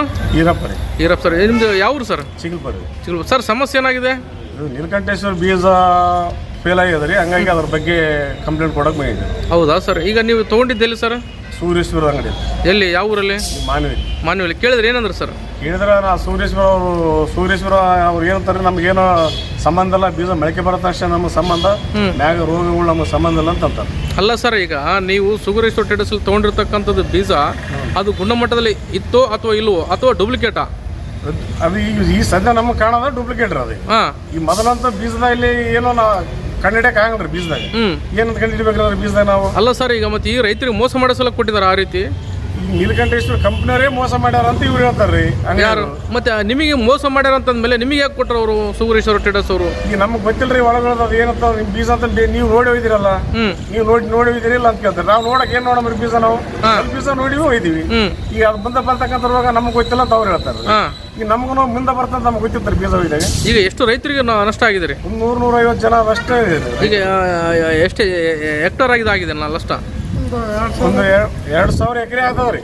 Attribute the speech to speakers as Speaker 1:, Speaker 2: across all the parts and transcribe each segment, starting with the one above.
Speaker 1: Irappa sir, ನಿಮ್ದು ಯಾವ sir?
Speaker 2: ಚಿಗಲ್ಪರಿ
Speaker 1: sir, ಸಮಸ್ಯೆ ಏನಾಗಿದೆ?
Speaker 2: ನೀಲಕಂಠೇಶ್ವರ ಬೀಜ ಫೇಲ್ ಆಗಿದೆ ರೀ, ಹಂಗಾಗಿ ಅದ್ರ ಬಗ್ಗೆ ಕಂಪ್ಲೇಂಟ್ ಕೊಡಕ್ಕೆ ಬಂದಿದೆ.
Speaker 1: ಹೌದಾ ಸರ್? ಈಗ ನೀವು ತೊಗೊಂಡಿದ್ದೆಲ್ಲಿ ಸರ್?
Speaker 2: ಸೂರ್ಯೇಶ್ವರ ಅಂಗಡಿ.
Speaker 1: ಎಲ್ಲಿ, ಯಾವ ಊರಲ್ಲಿ? ಮಾನವಿ. ಕೇಳಿದ್ರೆ ಏನಂದ್ರೆ ಸರ್?
Speaker 2: ಕೇಳಿದ್ರೆ ನಾ ಸೂರ್ಯೇಶ್ವರ ಅವ್ರು ಏನಂತಾರೆ, ನಮ್ಗೇನೋ ಸಂಬಂಧ ಇಲ್ಲ, ಬೀಜ ಮೊಳಕೆ ಬರತ್ತ ಅಷ್ಟೇ ನಮಗೆ ಸಂಬಂಧ, ಮ್ಯಾಗ ರೋಗಗಳು ನಮಗೆ ಸಂಬಂಧ ಇಲ್ಲ ಅಂತ ಅಂತಾರೆ.
Speaker 1: ಅಲ್ಲ ಸರ್, ಈಗ ನೀವು ಸೂರ್ಯೇಶ್ವರ ಟ್ರೇಡರ್ಸಲ್ಲಿ ತೊಗೊಂಡಿರ್ತಕ್ಕಂಥದ್ದು ಬೀಜ ಅದು ಗುಣಮಟ್ಟದಲ್ಲಿ ಇತ್ತೋ ಅಥವಾ ಇಲ್ವೋ, ಅಥವಾ ಡೂಪ್ಲಿಕೇಟಾ?
Speaker 2: ಅದು ಈ ಸದ್ಯ ನಮಗೆ ಕಾಣೋದ ಡೂಪ್ಲಿಕೇಟ್ ಅದು. ಈ ಮೊದಲಂತ ಬೀಜದಲ್ಲಿ ಏನೋ ಕಂಡಿಡಕ್ಕೆ ಆಗಲ್ರಿ ಬೀಜದಾಗ. ಏನಂತ ಕಂಡಿಡ್ಬೇಕ್ರಿ ಬೀಜದಾಗ ನಾವು?
Speaker 1: ಅಲ್ಲ ಸರ್, ಈಗ ಮತ್ತೆ ಈ ರೈತರಿಗೆ ಮೋಸ ಮಾಡೋ ಸಲ ಕೊಟ್ಟಿದ್ದಾರೆ ಆ ರೀತಿ.
Speaker 2: ಈ ನೀಲಕಂಠೇಶ್ವರ ಕಂಪ್ನಿಯವರೇ ಮೋಸ ಮಾಡ್ಯಾರ ಅಂತ ಇವ್ರು ಹೇಳ್ತಾರ್ರಿ.
Speaker 1: ಯಾರು ಮತ್ತೆ ನಿಮಗೆ ಮೋಸ ಮಾಡ್ಯಾರ ಅಂತಂದ್ಮೇಲೆ ನಿಮಗೆ ಯಾಕೆ ಕೊಟ್ಟರು ಅವರು, ಸೂರ್ಯೇಶ್ವರ ಟ್ರೇಡರ್ಸ್ ಅವರು?
Speaker 2: ಈಗ ನಮ್ಗೆ ಗೊತ್ತಿಲ್ರಿ ಒಳಗೊಳದ ಅದು ಏನಂತ ಬೀಜ ಅಂತ ನೀವು ನೋಡಿ ಹೋಯ್ದಿರಲ್ಲ, ನೀವು ನೋಡಿ ಹೋಯ್ದಿರಿಲ್ಲ ಅಂತ ಕೇಳ್ತಾರೆ. ನಾವು ನೋಡಕ್ ಏನ್ ನೋಡಮ್ರಿ ಬೀಜ, ನಾವು ಬೀಜ ನೋಡಿ ಹೋಯ್ದಿವಿ. ಈಗ ಅದು ಬರ್ತಕ್ಕಂಥ ರೋಗ ನಮ್ಗೆ ಗೊತ್ತಿಲ್ಲ ಅಂತ ಅವ್ರು ಹೇಳ್ತಾರೆ. ಈಗ ನಮಗೂ ಮುಂದೆ ಬರ್ತಂತ ನಮ್ಗೆ ಗೊತ್ತಿರ್ತಾರೆ ಬೀಜ ಹೋಯ್ದಾಗ. ಈಗ
Speaker 1: ಎಷ್ಟು ರೈತರಿಗೆ ನಷ್ಟ ಆಗಿದೆ?
Speaker 2: 100-150 ಜನ ಅಷ್ಟೇ ಇದೆ.
Speaker 1: ಈಗ ಎಷ್ಟು ಹೆಕ್ಟರ್ ಆಗಿದೆ ನಷ್ಟ?
Speaker 2: ಒಂದು 2,000 ಎಕರೆ ಆಗ್ತದ್ರಿ.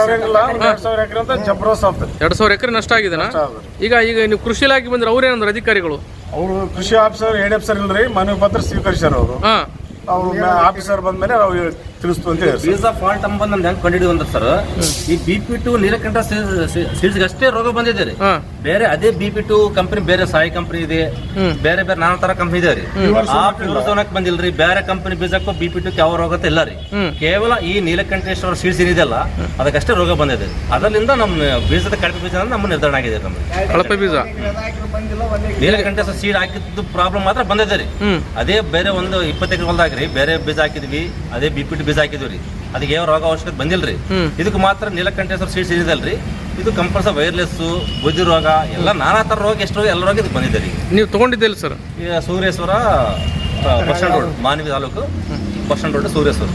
Speaker 2: 2,000 ಎಕರೆ ಅಂತ ಜಬ್ರೋಸ್ ಆಗ್ತದೆ.
Speaker 1: 2,000 ಎಕರೆ ನಷ್ಟ ಆಗಿದೆನಾ? ಈಗ ನೀವು ಕೃಷಿ ಇಲಾಖೆ ಬಂದ್ರೆ ಅವ್ರು ಏನಂದ್ರೆ ಅಧಿಕಾರಿಗಳು?
Speaker 2: ಅವರು ಕೃಷಿ ಆಫೀಸರ್, ಹೆಡ್ ಆಫೀಸರ್ ಇಲ್ರಿ, ಮನವಿ ಪತ್ರ ಸ್ವೀಕರಿಸ್ಯಾರ ಅವರು. ಅವ್ರು ಆಫೀಸರ್ ಬಂದ್ಮೇಲೆ ನಾವು ತಿಳಿಸ್ತು ಅಂತ ಹೇಳಿ.
Speaker 3: ಬೀಜ ಫಾಲ್ಟ್ ಅಂಬಂದ್ ನಮ್ದು ಹೆಂಗ್ ಕಂಡಿಡಿದ್ವಿ ಅಂದ್ರೆ ಸರ್, ಈ BP2 ನೀಲಕಂಠ ಸೀಡ್ಸ್ ಅಷ್ಟೇ ರೋಗ ಬಂದಿದೆ ರೀ. ಬೇರೆ ಅದೇ BP2 ಕಂಪನಿ, ಬೇರೆ ಸಾಯಿ ಕಂಪನಿ ಇದೆ, ಬೇರೆ ನಾನಾ ತರ ಕಂಪನಿ ಇದೆ ರೀ. ಆ ಪ್ಯೂರ್ಸೋನಕ್ ಬಂದಿಲ್ರಿ. ಬೇರೆ ಕಂಪನಿ ಬೀಜಕ್ಕೂ BP2 ಯಾವ ರೋಗ ಇಲ್ಲ ರೀ. ಕೇವಲ ಈ ನೀಲಕಂಠೇಶ್ವರ ಸೀಡ್ಸ್ ಏನಿದೆಲ್ಲ ಅದಕ್ಕಷ್ಟೇ ರೋಗ ಬಂದಿದೆ. ಅದರಿಂದ ನಮ್ಮ ಬೀಜದ ಕಳಪೆ ಬೀಜ ನಮ್ಮ ನಿರ್ಧಾರ ಆಗಿದೆ. ನಮ್ಗೆ
Speaker 1: ಕಳಪೆ ಬೀಜ
Speaker 3: ನೀಲಕಂಠೇಶ್ವರ ಸೀಡ್ ಹಾಕಿದ್ದು ಪ್ರಾಬ್ಲಮ್ ಮಾತ್ರ ಬಂದಿದೆ ರೀ. ಅದೇ ಬೇರೆ ಒಂದು 20 ಎಕರೆ ಹೊಲದಾಗ್ರಿ ಬೇರೆ ಬೀಜ ಹಾಕಿದ್ವಿ, ಅದೇ BP2 ಬೀಜ ಹಾಕಿದ್ವಿ ರೀ. ಅದಕ್ಕೆ ಯಾವ ರೋಗ ಅವಶ್ಯಕತೆ ಬಂದಿಲ್ರಿ. ಇದಕ್ಕೆ ಮಾತ್ರ ನೀಲಕಂಠೇಶ್ವರ ಸೀಡ್ಸ್ ಏನಿದಲ್ರಿ, ಇದು ಕಂಪಲ್ಸರಿ ವೈರ್ಲೆಸ್, ಬುದ್ಧಿ ರೋಗ, ಎಲ್ಲ ನಾನಾ ತರ ರೋಗ, ಎಷ್ಟು ರೋಗ ಎಲ್ಲ ರೋಗ ಇದಕ್ಕೆ ಬಂದಿದೆ ರೀ.
Speaker 1: ನೀವು ತಗೊಂಡಿದ್ದಿಲ್ಲ ಸರ್?
Speaker 3: ಈಗ Suryeshwara bus stand road, Manvi taluk bus stand road, Suryeshwara.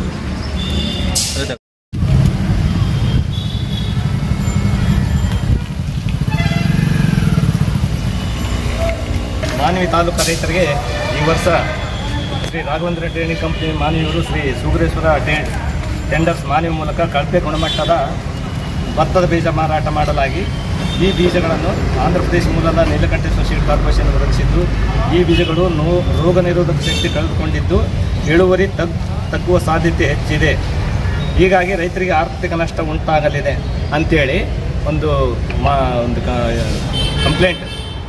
Speaker 4: Manvi taluk ರೈತರಿಗೆ ಈ ವರ್ಷ ಶ್ರೀ ರಾಘವೇಂದ್ರ ಟ್ರೇಡಿಂಗ್ ಕಂಪ್ನಿ ಮಾನವಿಯವರು ಶ್ರೀ ಸೂರ್ಯೇಶ್ವರ ಟೆಂಡರ್ಸ್ ಮಾನವಿ ಮೂಲಕ ಕಳಪೆ ಗುಣಮಟ್ಟದ ಭತ್ತದ ಬೀಜ ಮಾರಾಟ ಮಾಡಲಾಗಿ ಈ ಬೀಜಗಳನ್ನು ಆಂಧ್ರ ಪ್ರದೇಶ ಮೂಲದ ನೀಲಕಂಠೇಶ್ವರ ಸೀಡ್ ಕಾರ್ಪೊರೇಷನ್ ಒದಗಿಸಿದ್ದು, ಈ ಬೀಜಗಳು ರೋಗ ನಿರೋಧಕ ಶಕ್ತಿ ಕಳೆದುಕೊಂಡಿದ್ದು ಇಳುವರಿ ತಗ್ಗುವ ಸಾಧ್ಯತೆ ಹೆಚ್ಚಿದೆ. ಹೀಗಾಗಿ ರೈತರಿಗೆ ಆರ್ಥಿಕ ನಷ್ಟ ಉಂಟಾಗಲಿದೆ ಅಂತೇಳಿ ಒಂದು ಕಂಪ್ಲೇಂಟ್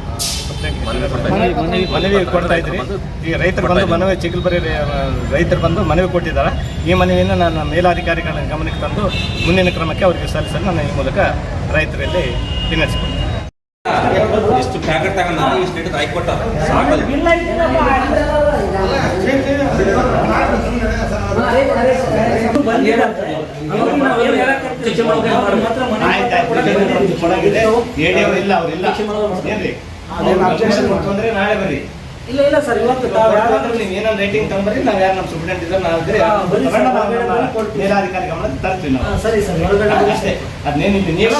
Speaker 4: ಮನವಿ ಕೊಡ್ತಾ ಇದ್ರಿ. ಈಗ ರೈತರು ಬಂದು ಮನವಿ, ಚಿಗಲ್ಪರಿ ರೈತರು ಬಂದು ಮನವಿ ಕೊಟ್ಟಿದ್ದಾರೆ. ಈ ಮನವಿಯನ್ನು ನನ್ನ ಮೇಲಾಧಿಕಾರಿಗಳ ಗಮನಕ್ಕೆ ತಂದು ಮುಂದಿನ ಕ್ರಮಕ್ಕೆ ಅವರಿಗೆ ಸಲ್ಲಿಸಲು ನಾನು ಈ ಮೂಲಕ ರೈತರಲ್ಲಿ ವಿನಂತಿಸಿಕೊಂಡೆ.
Speaker 3: ಇಷ್ಟು ಪ್ಯಾಕೆಟ್ ತಗೊಂಡ ಇಷ್ಟು ಹಿಡಿದು ಹಾಕಿಕೊಟ್ಟ ಸಾಕಲ್ಲ.
Speaker 4: ತೊಂದರೆ ನಾಳೆ ಬರ್ರಿ. ಇಲ್ಲ ಸರ್, ಇವತ್ತು ಏನಾದ್ರು ರೇಟಿಂಗ್ ತಗೊಂಡ್ರಿ, ನಾವು ಯಾರು ನಮ್ಮ ಸ್ಟೂಡೆಂಟ್ ಇದ್ದಾರೆ, ನಾವು ಮೇಲಾಧಿಕಾರಿ ಗಮನಕ್ಕೆ ತರ್ತೀವಿ ನಾವು. ಸರಿ ಸರ್, ಅಷ್ಟೇ. ಅದೇನಿದೆ ನೀವು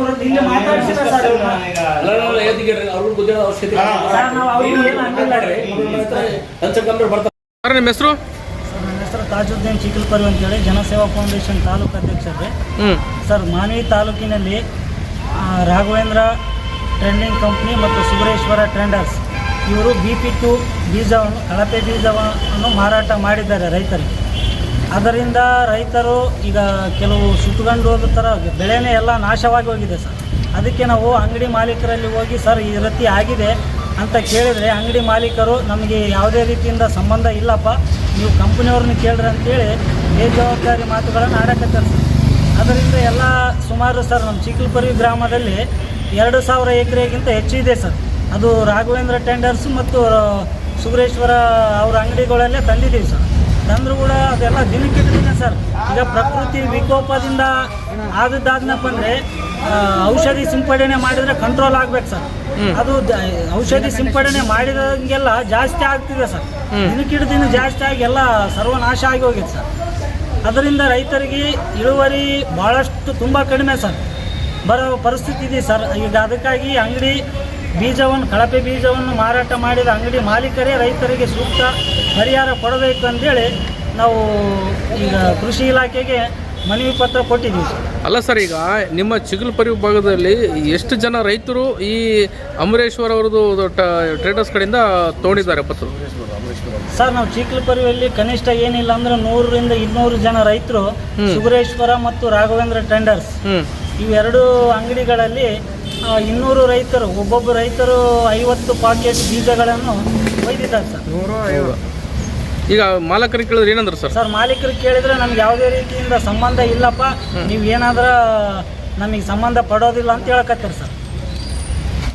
Speaker 1: ನಿಮ್ಮ ಹೆಸರು?
Speaker 5: ನನ್ನ ಹೆಸರು ತಾಜುದ್ದೀನ್ ಚಿಗಲ್ಪರಿ ಅಂತೇಳಿ, ಜನಸೇವಾ ಫೌಂಡೇಶನ್ ತಾಲೂಕು ಅಧ್ಯಕ್ಷರೇ. ಸರ್, ಮಾನವಿ ತಾಲೂಕಿನಲ್ಲಿ ರಾಘವೇಂದ್ರ ಟ್ರೆಂಡಿಂಗ್ ಕಂಪ್ನಿ ಮತ್ತು ಸೂರ್ಯೇಶ್ವರ ಟ್ರೆಂಡರ್ಸ್ ಇವರು BP2 ಬೀಜವನ್ನು, ಕಳಪೆ ಬೀಜವನ್ನು ಮಾರಾಟ ಮಾಡಿದ್ದಾರೆ ರೈತರಿಗೆ. ಅದರಿಂದ ರೈತರು ಈಗ ಕೆಲವು ಸುತ್ತುಕೊಂಡು ಹೋದ ಥರ ಬೆಳೆನೇ ಎಲ್ಲ ನಾಶವಾಗಿ ಹೋಗಿದೆ ಸರ್. ಅದಕ್ಕೆ ನಾವು ಅಂಗಡಿ ಮಾಲೀಕರಲ್ಲಿ ಹೋಗಿ ಸರ್ ಈ ರೀತಿ ಆಗಿದೆ ಅಂತ ಕೇಳಿದರೆ, ಅಂಗಡಿ ಮಾಲೀಕರು ನಮಗೆ ಯಾವುದೇ ರೀತಿಯಿಂದ ಸಂಬಂಧ ಇಲ್ಲಪ್ಪ, ನೀವು ಕಂಪ್ನಿಯವ್ರನ್ನ ಕೇಳ್ರಿ ಅಂತೇಳಿ ಬೇಜವಾಬ್ದಾರಿ ಮಾತುಗಳನ್ನು ಆಡಕತ್ತಾರೆ ಸರ್. ಅದರಿಂದ ಎಲ್ಲ ಸುಮಾರು ಸರ್ ನಮ್ಮ ಚಿಗಲ್ಪರಿ ಗ್ರಾಮದಲ್ಲಿ 2,000 ಎಕರೆಗಿಂತ ಹೆಚ್ಚಿದೆ ಸರ್. ಅದು ರಾಘವೇಂದ್ರ ಟೆಂಡರ್ಸ್ ಮತ್ತು ಸೂರ್ಯೇಶ್ವರ ಅವರ ಅಂಗಡಿಗಳಲ್ಲೇ ತಂದಿದ್ದೀವಿ ಸರ್. ತಂದರೂ ಕೂಡ ಅದೆಲ್ಲ ದಿನಕ್ಕಿಟ್ಟಿದೆ ಸರ್. ಈಗ ಪ್ರಕೃತಿ ವಿಕೋಪದಿಂದ ಆದದ್ದಾದ್ನಪ್ಪ ಅಂದರೆ ಔಷಧಿ ಸಿಂಪಡಣೆ ಮಾಡಿದರೆ ಕಂಟ್ರೋಲ್ ಆಗ್ಬೇಕು ಸರ್. ಅದು ಔಷಧಿ ಸಿಂಪಡಣೆ ಮಾಡಿದಂಗೆಲ್ಲ ಜಾಸ್ತಿ ಆಗ್ತಿದೆ ಸರ್. ದಿನಕ್ಕಿಡ ದಿನ ಜಾಸ್ತಿ ಆಗಿ ಎಲ್ಲ ಸರ್ವನಾಶ ಆಗಿ ಹೋಗಿದೆ ಸರ್. ಅದರಿಂದ ರೈತರಿಗೆ ಇಳುವರಿ ಭಾಳಷ್ಟು ತುಂಬ ಕಡಿಮೆ ಸರ್ ಬರೋ ಪರಿಸ್ಥಿತಿ ಇದೆ ಸರ್. ಈಗ ಅದಕ್ಕಾಗಿ ಅಂಗಡಿ ಬೀಜವನ್ನು, ಕಳಪೆ ಬೀಜವನ್ನು ಮಾರಾಟ ಮಾಡಿದ ಅಂಗಡಿ ಮಾಲೀಕರೇ ರೈತರಿಗೆ ಸೂಕ್ತ ಪರಿಹಾರ ಕೊಡಬೇಕು ಅಂತೇಳಿ ನಾವು ಈಗ ಕೃಷಿ ಇಲಾಖೆಗೆ ಮನವಿ ಪತ್ರ ಕೊಟ್ಟಿದ್ದೀವಿ ಸರ್.
Speaker 1: ಅಲ್ಲ ಸರ್, ಈಗ ನಿಮ್ಮ ಚಿಗಲ್ಪರಿ ಭಾಗದಲ್ಲಿ ಎಷ್ಟು ಜನ ರೈತರು ಈ ಅಮರೇಶ್ವರ್ ಅವ್ರದ್ದು ಟ್ರೇಡರ್ಸ್ ಕಡೆಯಿಂದ ತೊಗೊಂಡಿದ್ದಾರೆ ಪತ್ರ?
Speaker 5: ಸರ್ ನಾವು ಚೀಕ್ಲಪರಿಯಲ್ಲಿ ಕನಿಷ್ಠ ಏನಿಲ್ಲ ಅಂದ್ರೆ 100ರಿಂದ 200 ಜನ ರೈತರು ಸುಗರೇಶ್ವರ ಮತ್ತು ರಾಘವೇಂದ್ರ ಟೆಂಡರ್ಸ್ ಇವೆರಡು ಅಂಗಡಿಗಳಲ್ಲಿ 200 ರೈತರು, ಒಬ್ಬೊಬ್ಬ ರೈತರು 50 ಪಾಕೆಟ್ ಬೀಜಗಳನ್ನು ಒಯ್ದಿದ್ದಾರೆ ಸರ್.
Speaker 1: ಈಗ ಮಾಲಕರಿಗೆ ಕೇಳಿದ್ರೆ ಏನಂದ್ರೆ ಸರ್?
Speaker 5: ಸರ್ ಮಾಲೀಕರಿಗೆ ಕೇಳಿದ್ರೆ ನಮ್ಗೆ ಯಾವುದೇ ರೀತಿಯಿಂದ ಸಂಬಂಧ ಇಲ್ಲಪ್ಪ, ನೀವು ಏನಾದ್ರೂ ನಮಗೆ ಸಂಬಂಧ ಪಡೋದಿಲ್ಲ ಅಂತ ಹೇಳಕತ್ತಾರೆ ಸರ್.